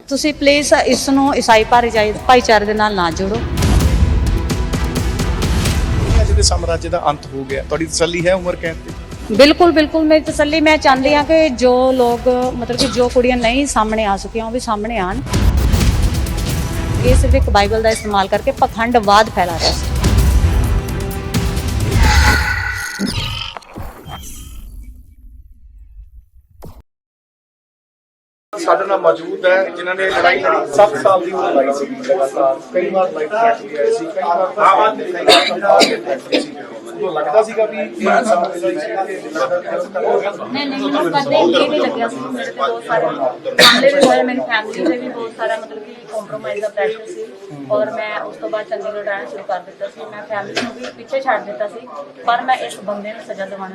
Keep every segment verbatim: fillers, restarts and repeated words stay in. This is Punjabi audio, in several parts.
ਤੁਸੀਂ ਪਲੀਜ਼ ਇਸ ਨੂੰ ਈਸਾਈ ਭਾਈਚਾਰੇ ਦੇ ਨਾਲ ਨਾ ਜੋੜੋ। ਅੱਜ ਦੇ ਸਾਮਰਾਜ ਦਾ ਅੰਤ ਹੋ ਗਿਆ, ਤੁਹਾਡੀ ਤਸੱਲੀ ਹੈ ਉਮਰ ਕੈਦ ਤੇ? ਬਿਲਕੁਲ ਬਿਲकुल ਮੇਰੀ ਤਸੱਲੀ, ਮੈਂ ਚਾਹੁੰਦੀ ਹਾਂ ਕਿ ਜੋ ਲੋਕ ਮਤਲਬ ਕਿ ਜੋ ਕੁੜੀਆਂ ਨਹੀਂ ਸਾਹਮਣੇ ਆ ਸਕੀਆਂ ਉਹ ਵੀ ਸਾਹਮਣੇ ਆਣ। ਇਹ ਸਿਰਫ ਇੱਕ ਬਾਈਬਲ ਦਾ ਇਸਤੇਮਾਲ ਕਰਕੇ ਪਖੰਡਵਾਦ ਫੈਲਾ ਰਿਹਾ ਸੀ। ਸਾਡੇ ਨਾਲ ਮੌਜੂਦ ਹੈ ਜਿਨ੍ਹਾਂ ਨੇ ਲੜਾਈ ਲੜੀ, ਸੱਤ ਸਾਲ ਦੀ ਲੜਾਈ ਸੀ ਲਗਾਤਾਰ, ਕਈ ਵਾਰ ਲਾਈਫ ਥ੍ਰੈਟ ਵੀ ਆਏ ਸੀ, ਕਈ ਵਾਰ ਉਹ ਲੱਗਦਾ ਸੀਗਾ ਵੀ ਇਹ ਸਮਾਂ ਦੇ ਲਈ ਨਹੀਂ ਨਹੀਂ ਮੈਨੂੰ ਕਦੇ ਇਹ ਨਹੀਂ ਲੱਗਿਆ ਸੀ। ਮੇਰੇ ਤੇ ਬਹੁਤ ਸਾਰੇ ਮਾਮਲੇ ਵੀ ਹੋਏ, ਮੇਰੀ ਫੈਮਿਲੀ ਦੇ ਵੀ ਬਹੁਤ ਸਾਰਾ ਮਤਲਬ ਕਿ ਕੰਪਰੋਮਾਈਜ਼ ਦਾ ਪ੍ਰੈਸ਼ਰ ਸੀ ਔਰ ਮੈਂ ਉਸ ਤੋਂ ਬਾਅਦ ਚੰਡੀਗੜ੍ਹ ਰਹਿਣਾ ਸ਼ੁਰੂ ਕਰ ਦਿੱਤਾ ਸੀ। ਮੈਂ ਫੈਮਿਲੀ ਨੂੰ ਵੀ ਪਿੱਛੇ ਛੱਡ ਦਿੱਤਾ ਸੀ, ਪਰ ਮੈਂ ਇਸ ਬੰਦੇ ਨੂੰ ਸਜ਼ਾ ਦਿਵਾਉਣਾ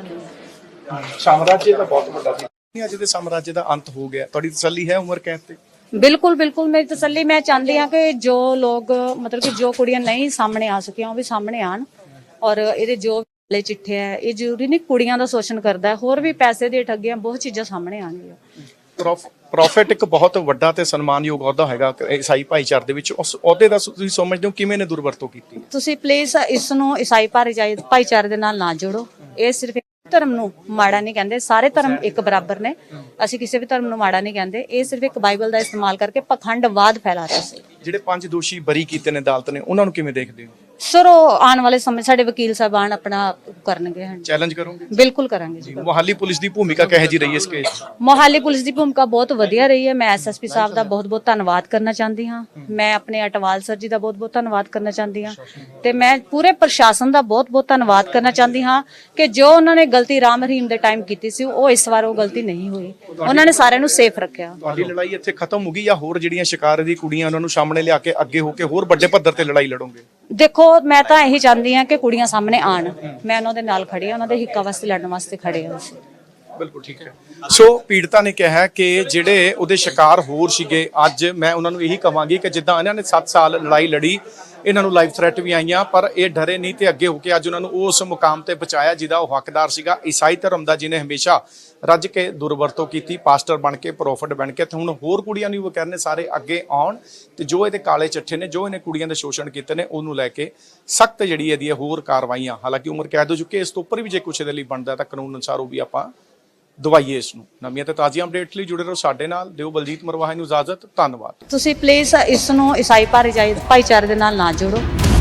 ਨਹੀਂ। ਸਾਮਰਾਜ ਦਾ ਬਹੁਤ ਵੱਡਾ ਸੀ, ਅੱਜ ਦੇ ਸਾਮਰਾਜ ਦਾ ਅੰਤ ਹੋ ਗਿਆ, ਤੁਹਾਡੀ ਤਸੱਲੀ ਹੈ ਉਮਰ ਕੈਦ ਤੇ? ਬਿਲਕੁਲ ਬਿਲकुल ਮੇਰੀ ਤਸੱਲੀ, ਮੈਂ ਚਾਹੁੰਦੀ ਹਾਂ ਕਿ ਜੋ ਲੋਕ ਮਤਲਬ ਕਿ ਜੋ ਕੁੜੀਆਂ ਨਹੀਂ ਸਾਹਮਣੇ ਆ ਸਕੀਆਂ ਉਹ ਵੀ ਸਾਹਮਣੇ ਆਣ। ਔਰ ਇਹਦੇ ਜੋ ਵਾਲੇ ਚਿੱਠੇ ਹੈ, ਇਹ ਜ਼ਰੂਰੀ ਨਹੀਂ ਕੁੜੀਆਂ ਦਾ ਸ਼ੋਸ਼ਣ ਕਰਦਾ ਹੈ, ਹੋਰ ਵੀ ਪੈਸੇ ਦੀਆਂ ਠੱਗੀਆਂ ਬਹੁਤ ਚੀਜ਼ਾਂ ਸਾਹਮਣੇ ਆਉਣਗੀਆਂ। ਪ੍ਰੋਫਿਟ ਇੱਕ ਬਹੁਤ ਵੱਡਾ ਤੇ ਸਨਮਾਨਯੋਗ ਅਹੁਦਾ ਹੈਗਾ ਈਸਾਈ ਭਾਈਚਾਰੇ ਦੇ ਵਿੱਚ, ਉਸ ਅਹੁਦੇ ਦਾ ਤੁਸੀਂ ਸਮਝਦੇ ਹੋ ਕਿਵੇਂ ਨੇ ਦੁਰਵਰਤੋਂ ਕੀਤੀ? ਤੁਸੀਂ ਪਲੀਜ਼ ਇਸ ਨੂੰ ਈਸਾਈ ਭਾਈਚਾਰੇ ਦੇ ਨਾਲ ਨਾ ਜੋੜੋ। ਇਹ ਸਿਰਫ ਧਰਮ ਨੂੰ ਮਾੜਾ ਨਹੀਂ ਕਹਿੰਦੇ, ਸਾਰੇ ਧਰਮ ਇੱਕ ਬਰਾਬਰ ਨੇ, ਅਸੀਂ ਕਿਸੇ ਵੀ ਧਰਮ ਨੂੰ ਮਾੜਾ ਨਹੀਂ ਕਹਿੰਦੇ। ਇਹ ਸਿਰਫ ਇੱਕ ਬਾਈਬਲ ਦਾ ਇਸਤੇਮਾਲ ਕਰਕੇ ਪਖੰਡਵਾਦ ਫੈਲਾ ਰਿਹਾ ਸੀ। ਜਿਹੜੇ ਪੰਜ ਦੋਸ਼ੀ ਬਰੀ ਕੀਤੇ ਨੇ ਅਦਾਲਤ ਨੇ, ਉਹਨਾਂ ਨੂੰ ਕਿਵੇਂ ਦੇਖਦੇ ਹੋ? ਸਰ ਉਹ ਆਉਣ ਵਾਲੇ ਸਮੇਂ ਸਾਡੇ ਵਕੀਲ ਸਾਹਿਬਾਨ ਆਪਣਾ ਕਰਨਗੇ। ਚੈਲੰਜ ਕਰੋਗੇ? ਬਿਲਕੁਲ ਕਰਾਂਗੇ ਜੀ। ਮੁਹਾਲੀ ਪੁਲਿਸ ਦੀ ਭੂਮਿਕਾ ਕਿਹੋ ਜਿਹੀ ਰਹੀ ਇਸ ਕੇਸ? ਮੁਹਾਲੀ ਪੁਲਿਸ ਦੀ ਭੂਮਿਕਾ ਬਹੁਤ ਵਧੀਆ ਰਹੀ ਹੈ। ਮੈਂ ਐਸਐਸਪੀ ਸਾਹਿਬ ਦਾ ਬਹੁਤ ਬਹੁਤ ਧੰਨਵਾਦ ਕਰਨਾ ਚਾਹੁੰਦੀ ਹਾਂ। ਮੈਂ ਆਪਣੇ ਅਟਵਾਲ ਸਰ ਜੀ ਦਾ ਬਹੁਤ ਬਹੁਤ ਧੰਨਵਾਦ ਕਰਨਾ ਚਾਹੁੰਦੀ ਹਾਂ ਤੇ ਮੈਂ ਪੂਰੇ ਪ੍ਰਸ਼ਾਸਨ ਦਾ ਬਹੁਤ ਬਹੁਤ ਧੰਨਵਾਦ ਕਰਨਾ ਚਾਹੁੰਦੀ ਹਾਂ ਕਿ ਜੋ ਉਹਨਾਂ ਨੇ ਗਲਤੀ ਰਾਮ ਰਹੀਮ ਦੇ ਟਾਈਮ ਕੀਤੀ ਸੀ, ਉਹ ਇਸ ਵਾਰ ਉਹ ਗਲਤੀ ਨਹੀਂ ਹੋਈ। ਉਹਨਾਂ ਨੇ ਸਾਰਿਆਂ ਨੂੰ ਸੇਫ ਰੱਖਿਆ। ਤੁਹਾਡੀ ਲੜਾਈ ਇੱਥੇ ਖਤਮ ਹੋ ਗਈ ਜਾਂ ਹੋਰ ਜਿਹੜੀਆਂ ਸ਼ਿਕਾਰ ਦੀ ਕੁੜੀਆਂ ਉਹਨਾਂ ਨੂੰ ਸਾਹਮਣੇ ਲਿਆ ਕੇ ਅੱਗੇ ਹੋ ਕੇ ਹੋਰ ਵੱਡੇ ਪੱਧਰ ਤੇ ਲੜਾਈ ਲੜੋਗੇ? ਦੇਖੋ ਮੈਂ ਤਾਂ ਇਹੀ ਚਾਹੁੰਦੀ ਹਾਂ ਕਿ ਕੁੜੀਆਂ ਸਾਹਮਣੇ ਆਣ। ਮੈਂ ਉਹਨਾਂ ਦੇ ਨਾਲ ਖੜੀ ਹਾਂ, ਉਹਨਾਂ ਦੇ ਹਿੱਕਾਂ ਵਾਸਤੇ ਲੜਨ ਵਾਸਤੇ ਖੜੇ ਹਾਂ ਅਸੀਂ। ਬਿਲਕੁਲ ਠੀਕ ਹੈ। ਸੋ ਪੀੜਤਾ ਨੇ ਕਿਹਾ ਕਿ ਜਿਹੜੇ ਉਹਦੇ ਸ਼ਿਕਾਰ ਹੋਰ ਸੀਗੇ, ਅੱਜ ਮੈਂ ਉਹਨਾਂ ਨੂੰ ਇਹੀ ਕਹਾਂਗੀ ਕਿ ਜਿੱਦਾਂ ਇਹਨਾਂ ਨੇ ਸੱਤ ਸਾਲ ਲੜਾਈ ਲੜੀ, ਇਹਨਾਂ ਨੂੰ ਲਾਈਫ ਥ੍ਰੈਟ ਵੀ ਆਈਆਂ, ਪਰ ਇਹ ਡਰੇ ਨਹੀਂ ਤੇ ਅੱਗੇ ਹੋ ਕੇ ਅੱਜ ਉਹਨਾਂ ਨੂੰ ਉਸ ਮੁਕਾਮ ਤੇ ਪਹੁੰਚਾਇਆ ਜਿਹਦਾ ਉਹ ਹੱਕਦਾਰ ਸੀਗਾ। ਈਸਾਈ ਧਰਮ ਦਾ ਜਿਹਨੇ ਹਮੇਸ਼ਾ ਰੱਜ ਕੇ ਦੁਰਵਰਤੋਂ ਕੀਤੀ, ਪਾਸਟਰ ਬਣ ਕੇ, ਪ੍ਰੋਫਿਟ ਬਣ ਕੇ, ਤੇ ਹੁਣ ਹੋਰ ਕੁੜੀਆਂ ਨੂੰ ਉਹ ਕਹਿੰਦੇ ਸਾਰੇ ਅੱਗੇ ਆਉਣ ਤੇ ਜੋ ਇਹਦੇ ਕਾਲੇ ਚੱਠੇ ਨੇ, ਜੋ ਇਹਨੇ ਕੁੜੀਆਂ ਦੇ ਸ਼ੋਸ਼ਣ ਕੀਤੇ ਨੇ, ਉਹਨੂੰ ਲੈ ਕੇ ਸਖਤ ਜਿਹੜੀ ਇਹਦੀ ਹੋਰ ਕਾਰਵਾਈਆਂ, ਹਾਲਾਂਕਿ ਉਮਰ ਕੈਦ ਹੋ ਚੁੱਕੀ ਹੈ, ਇਸ ਤੋਂ ਉੱਪਰ ਵੀ ਜੇ ਕੁਛ ਇਹਦੇ ਲਈ ਬਣਦਾ ਤਾਂ ਕਾਨੂੰਨ ਅਨੁਸਾਰ ਉਹ ਵੀ ਆਪਾਂ ਦਵਾਈਏ ਇਸ ਨੂੰ। ਨਵੀਆਂ ਤੇ ਤਾਜ਼ੀਆਂ ਅਪਡੇਟ ਲਈ ਜੁੜੇ ਰਹੋ ਸਾਡੇ ਨਾਲ। ਦਿਓ ਬਲਜੀਤ ਮਰਵਾਹਾ ਨੂੰ ਇਜਾਜ਼ਤ, ਧੰਨਵਾਦ। ਤੁਸੀਂ ਪਲੀਜ਼ ਇਸ ਨੂੰ ਈਸਾਈ ਭਾਈਚਾਰੇ ਦੇ ਨਾਲ ਨਾ ਜੋੜੋ।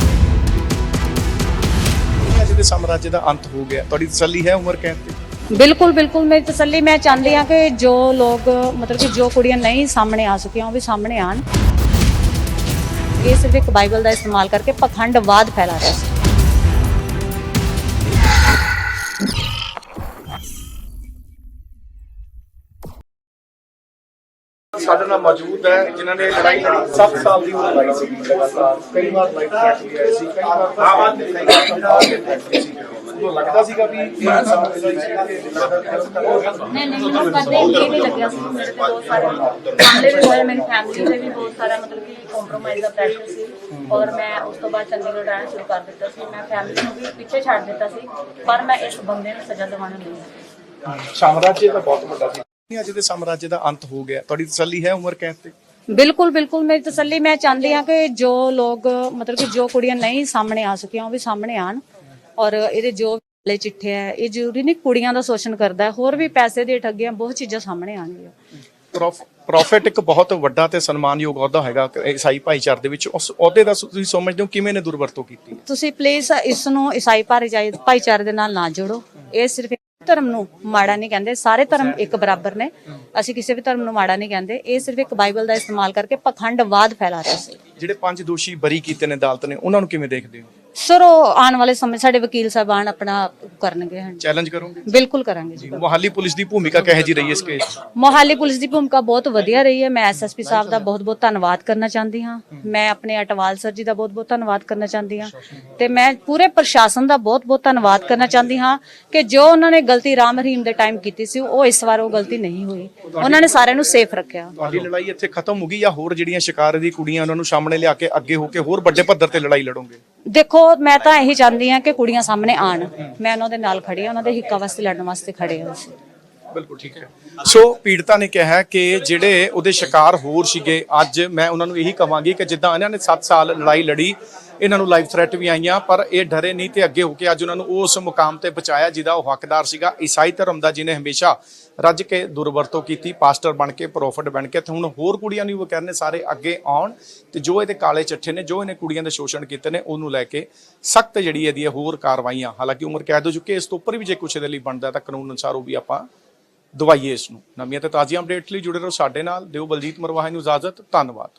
ਅੱਜ ਦੇ ਸਾਮਰਾਜ ਦਾ ਅੰਤ ਹੋ ਗਿਆ, ਤੁਹਾਡੀ ਤਸੱਲੀ ਹੈ ਉਮਰ ਕੈਦ ਤੇ? ਬਿਲਕੁਲ ਬਿਲकुल ਮੇਰੀ ਤਸੱਲੀ, ਮੈਂ ਚਾਹੁੰਦੀ ਹਾਂ ਕਿ ਜੋ ਲੋਕ ਮਤਲਬ ਕਿ ਜੋ ਕੁੜੀਆਂ ਨਹੀਂ ਸਾਹਮਣੇ ਆ ਸਕੀਆਂ ਉਹ ਵੀ ਸਾਹਮਣੇ ਆਣ। ਇਹ ਸਿਰਫ ਇੱਕ ਬਾਈਬਲ ਦਾ ਇਸਤੇਮਾਲ ਕਰਕੇ ਪਖੰਡਵਾਦ ਫੈਲਾ ਰਿਹਾ ਸੀ। ਸਾਡੇ ਨਾਲ ਮੌਜੂਦ ਹੈ ਜਿਨ੍ਹਾਂ ਨੇ ਲੜਾਈ ਲੜੀ, ਸੱਤ ਸਾਲ ਦੀ ਲੜਾਈ ਸੀ ਲਗਾਤਾਰ, ਕਈ ਵਾਰ ਲਾਈਫ ਥ੍ਰੈਟ ਵੀ ਆਏ ਸੀ, ਕਈ ਵਾਰ ਉਹ ਲੱਗਦਾ ਸੀਗਾ ਵੀ ਇਹ ਸਮਾਂ ਦੇ ਲਈ ਨਹੀਂ ਨਹੀਂ ਮੈਨੂੰ ਕਦੇ ਇਹ ਨਹੀਂ ਲੱਗਿਆ ਸੀ। ਮੇਰੇ ਤੇ ਬਹੁਤ ਸਾਰੇ ਮਾਮਲੇ ਵੀ ਹੋਏ, ਮੇਰੀ ਫੈਮਿਲੀ ਦੇ ਵੀ ਬਹੁਤ ਸਾਰਾ ਮਤਲਬ ਕਿ ਕੰਪਰੋਮਾਈਜ਼ ਦਾ ਪ੍ਰੈਸ਼ਰ ਸੀ ਔਰ ਮੈਂ ਉਸ ਤੋਂ ਬਾਅਦ ਚੰਡੀਗੜ੍ਹ ਰਹਿਣਾ ਸ਼ੁਰੂ ਕਰ ਦਿੱਤਾ ਸੀ। ਮੈਂ ਫੈਮਿਲੀ ਨੂੰ ਵੀ ਪਿੱਛੇ ਛੱਡ ਦਿੱਤਾ ਸੀ, ਪਰ ਮੈਂ ਇਸ ਬੰਦੇ ਨੂੰ ਸਜ਼ਾ ਦਿਵਾਉਣਾ ਨਹੀਂ। ਸਾਮਰਾਜ ਦਾ ਬਹੁਤ ਵੱਡਾ ਸੀ, ਅੱਜ ਦੇ ਸਾਮਰਾਜ ਦਾ ਅੰਤ ਹੋ ਗਿਆ, ਤੁਹਾਡੀ ਤਸੱਲੀ ਹੈ ਉਮਰ ਕੈਦ ਤੇ? ਬਿਲਕੁਲ ਬਿਲकुल ਮੇਰੀ ਤਸੱਲੀ, ਮੈਂ ਚਾਹੁੰਦੀ ਹਾਂ ਕਿ ਜੋ ਲੋਕ ਮਤਲਬ ਕਿ ਜੋ ਕੁੜੀਆਂ ਨਹੀਂ ਸਾਹਮਣੇ ਆ ਸਕੀਆਂ ਉਹ ਵੀ ਸਾਹਮਣੇ ਆਣ। ਔਰ ਇਹਦੇ ਜੋ ਵਾਲੇ ਚਿੱਠੇ ਹੈ, ਇਹ ਜ਼ਰੂਰੀ ਨਹੀਂ ਕੁੜੀਆਂ ਦਾ ਸ਼ੋਸ਼ਣ ਕਰਦਾ ਹੈ, ਹੋਰ ਵੀ ਪੈਸੇ ਦੀਆਂ ਠੱਗੀਆਂ ਬਹੁਤ ਚੀਜ਼ਾਂ ਸਾਹਮਣੇ ਆਉਣਗੀਆਂ। ਪ੍ਰੋਫਿਟ ਇੱਕ ਬਹੁਤ ਵੱਡਾ ਤੇ ਸਨਮਾਨਯੋਗ ਅਹੁਦਾ ਹੈਗਾ ਈਸਾਈ ਭਾਈਚਾਰੇ ਦੇ ਵਿੱਚ, ਉਸ ਅਹੁਦੇ ਦਾ ਤੁਸੀਂ ਸਮਝਦੇ ਹੋ ਕਿਵੇਂ ਨੇ ਦੁਰਵਰਤੋਂ ਕੀਤੀ? ਤੁਸੀਂ ਪਲੀਜ਼ ਇਸ ਨੂੰ ਈਸਾਈ ਭਾਈਚਾਰੇ ਦੇ ਨਾਲ ਨਾ ਜੋੜੋ। ਇਹ ਸਿਰਫ ਧਰਮ ਨੂੰ ਮਾੜਾ ਨਹੀਂ ਕਹਿੰਦੇ, ਸਾਰੇ ਧਰਮ ਇੱਕ ਬਰਾਬਰ ਨੇ, ਅਸੀਂ ਕਿਸੇ ਵੀ ਧਰਮ ਨੂੰ ਮਾੜਾ ਨਹੀਂ ਕਹਿੰਦੇ। ਇਹ ਸਿਰਫ ਇੱਕ ਬਾਈਬਲ ਦਾ ਇਸਤੇਮਾਲ ਕਰਕੇ ਪਖੰਡਵਾਦ ਫੈਲਾ ਰਿਹਾ ਸੀ। ਜਿਹੜੇ ਪੰਜ ਦੋਸ਼ੀ ਬਰੀ ਕੀਤੇ ਨੇ ਅਦਾਲਤ ਨੇ, ਉਹਨਾਂ ਨੂੰ ਕਿਵੇਂ ਦੇਖਦੇ ਹੋ? ਸਰ ਉਹ ਆਉਣ ਵਾਲੇ ਸਮੇਂ ਸਾਡੇ ਵਕੀਲ ਸਾਹਿਬਾਨ ਆਪਣਾ ਕਰਨਗੇ। ਚੈਲੰਜ ਕਰੋਗੇ? ਬਿਲਕੁਲ ਕਰਾਂਗੇ ਜੀ। ਮੁਹਾਲੀ ਪੁਲਿਸ ਦੀ ਭੂਮਿਕਾ ਕਿਹੋ ਜਿਹੀ ਰਹੀ ਇਸ ਕੇਸ? ਮੁਹਾਲੀ ਪੁਲਿਸ ਦੀ ਭੂਮਿਕਾ ਬਹੁਤ ਵਧੀਆ ਰਹੀ ਹੈ। ਮੈਂ ਐਸਐਸਪੀ ਸਾਹਿਬ ਦਾ ਬਹੁਤ ਬਹੁਤ ਧੰਨਵਾਦ ਕਰਨਾ ਚਾਹੁੰਦੀ ਹਾਂ। ਮੈਂ ਆਪਣੇ ਅਟਵਾਲ ਸਰ ਜੀ ਦਾ ਬਹੁਤ ਬਹੁਤ ਧੰਨਵਾਦ ਕਰਨਾ ਚਾਹੁੰਦੀ ਹਾਂ ਤੇ ਮੈਂ ਪੂਰੇ ਪ੍ਰਸ਼ਾਸਨ ਦਾ ਬਹੁਤ ਬਹੁਤ ਧੰਨਵਾਦ ਕਰਨਾ ਚਾਹੁੰਦੀ ਹਾਂ ਕਿ ਜੋ ਉਹਨਾਂ ਨੇ ਗਲਤੀ ਰਾਮ ਰਹੀਮ ਦੇ ਟਾਈਮ ਕੀਤੀ ਸੀ, ਉਹ ਇਸ ਵਾਰ ਉਹ ਗਲਤੀ ਨਹੀਂ ਹੋਈ। ਉਹਨਾਂ ਨੇ ਸਾਰਿਆਂ ਨੂੰ ਸੇਫ ਰੱਖਿਆ। ਤੁਹਾਡੀ ਲੜਾਈ ਇੱਥੇ ਖਤਮ ਹੋ ਗਈ ਜਾਂ ਹੋਰ ਜਿਹੜੀਆਂ ਸ਼ਿਕਾਰ ਦੀ ਕੁੜੀਆਂ ਉਹਨਾਂ ਨੂੰ ਸਾਹਮਣੇ ਲਿਆ ਕੇ ਅੱਗੇ ਹੋ ਕੇ ਹੋਰ ਵੱਡੇ ਪੱਧਰ ਤੇ ਲੜਾਈ ਲੜੋਗੇ? ਦੇਖੋ ਮੈਂ ਤਾਂ ਇਹੀ ਚਾਹੁੰਦੀ ਹਾਂ ਕਿ ਕੁੜੀਆਂ ਸਾਹਮਣੇ ਆਣ। ਮੈਂ ਉਹਨਾਂ ਦੇ ਨਾਲ ਖੜੀ ਹਾਂ, ਉਹਨਾਂ ਦੇ ਹਿੱਕਾਂ ਵਾਸਤੇ ਲੜਨ ਵਾਸਤੇ ਖੜੇ ਹਾਂ ਅਸੀਂ। ਬਿਲਕੁਲ ਠੀਕ ਹੈ। ਸੋ ਪੀੜਤਾ ਨੇ ਕਿਹਾ ਕਿ ਜਿਹੜੇ ਉਹਦੇ ਸ਼ਿਕਾਰ ਹੋਰ ਸੀਗੇ, ਅੱਜ ਮੈਂ ਉਹਨਾਂ ਨੂੰ ਇਹੀ ਕਹਾਂਗੀ ਕਿ ਜਿੱਦਾਂ ਇਹਨਾਂ ਨੇ ਸੱਤ ਸਾਲ ਲੜਾਈ ਲੜੀ, ਇਹਨਾਂ ਨੂੰ ਲਾਈਫ ਥ੍ਰੈਟ ਵੀ ਆਈਆਂ, ਪਰ ਇਹ ਡਰੇ ਨਹੀਂ ਤੇ ਅੱਗੇ ਹੋ ਕੇ ਅੱਜ ਉਹਨਾਂ ਨੂੰ ਉਸ ਮੁਕਾਮ ਤੇ ਪਹੁੰਚਾਇਆ ਜਿਹਦਾ ਉਹ ਹੱਕਦਾਰ ਸੀਗਾ। ਈਸਾਈ ਧਰਮ ਦਾ ਜਿਹਨੇ ਹਮੇਸ਼ਾ ਰੱਜ ਕੇ ਦੁਰਵਰਤੋਂ ਕੀਤੀ, ਪਾਸਟਰ ਬਣ ਕੇ, ਪ੍ਰੋਫਿਟ ਬਣ ਕੇ, ਤੇ ਹੁਣ ਹੋਰ ਕੁੜੀਆਂ ਨੂੰ ਉਹ ਕਹਿੰਦੇ ਸਾਰੇ ਅੱਗੇ ਆਉਣ ਤੇ ਜੋ ਇਹਦੇ ਕਾਲੇ ਚੱਠੇ ਨੇ, ਜੋ ਇਹਨੇ ਕੁੜੀਆਂ ਦੇ ਸ਼ੋਸ਼ਣ ਕੀਤੇ ਨੇ, ਉਹਨੂੰ ਲੈ ਕੇ ਸਖਤ ਜਿਹੜੀ ਇਹਦੀ ਹੋਰ ਕਾਰਵਾਈਆਂ, ਹਾਲਾਂਕਿ ਉਮਰ ਕੈਦ ਹੋ ਚੁੱਕੀ ਹੈ, ਇਸ ਤੋਂ ਉੱਪਰ ਵੀ ਜੇ ਕੁਛ ਇਹਦੇ ਲਈ ਬਣਦਾ ਤਾਂ ਕਾਨੂੰਨ ਅਨੁਸਾਰ ਉਹ ਵੀ ਆਪਾਂ ਦਵਾਈਏ ਇਸ ਨੂੰ। ਨਵੀਆਂ ਤੇ ਤਾਜ਼ੀਆਂ ਅਪਡੇਟ ਲਈ ਜੁੜੇ ਰਹੋ ਸਾਡੇ ਨਾਲ। ਦਿਓ ਬਲਜੀਤ ਮਰਵਾਹਾ ਨੂੰ ਇਜਾਜ਼ਤ। ਧੰਨਵਾਦ।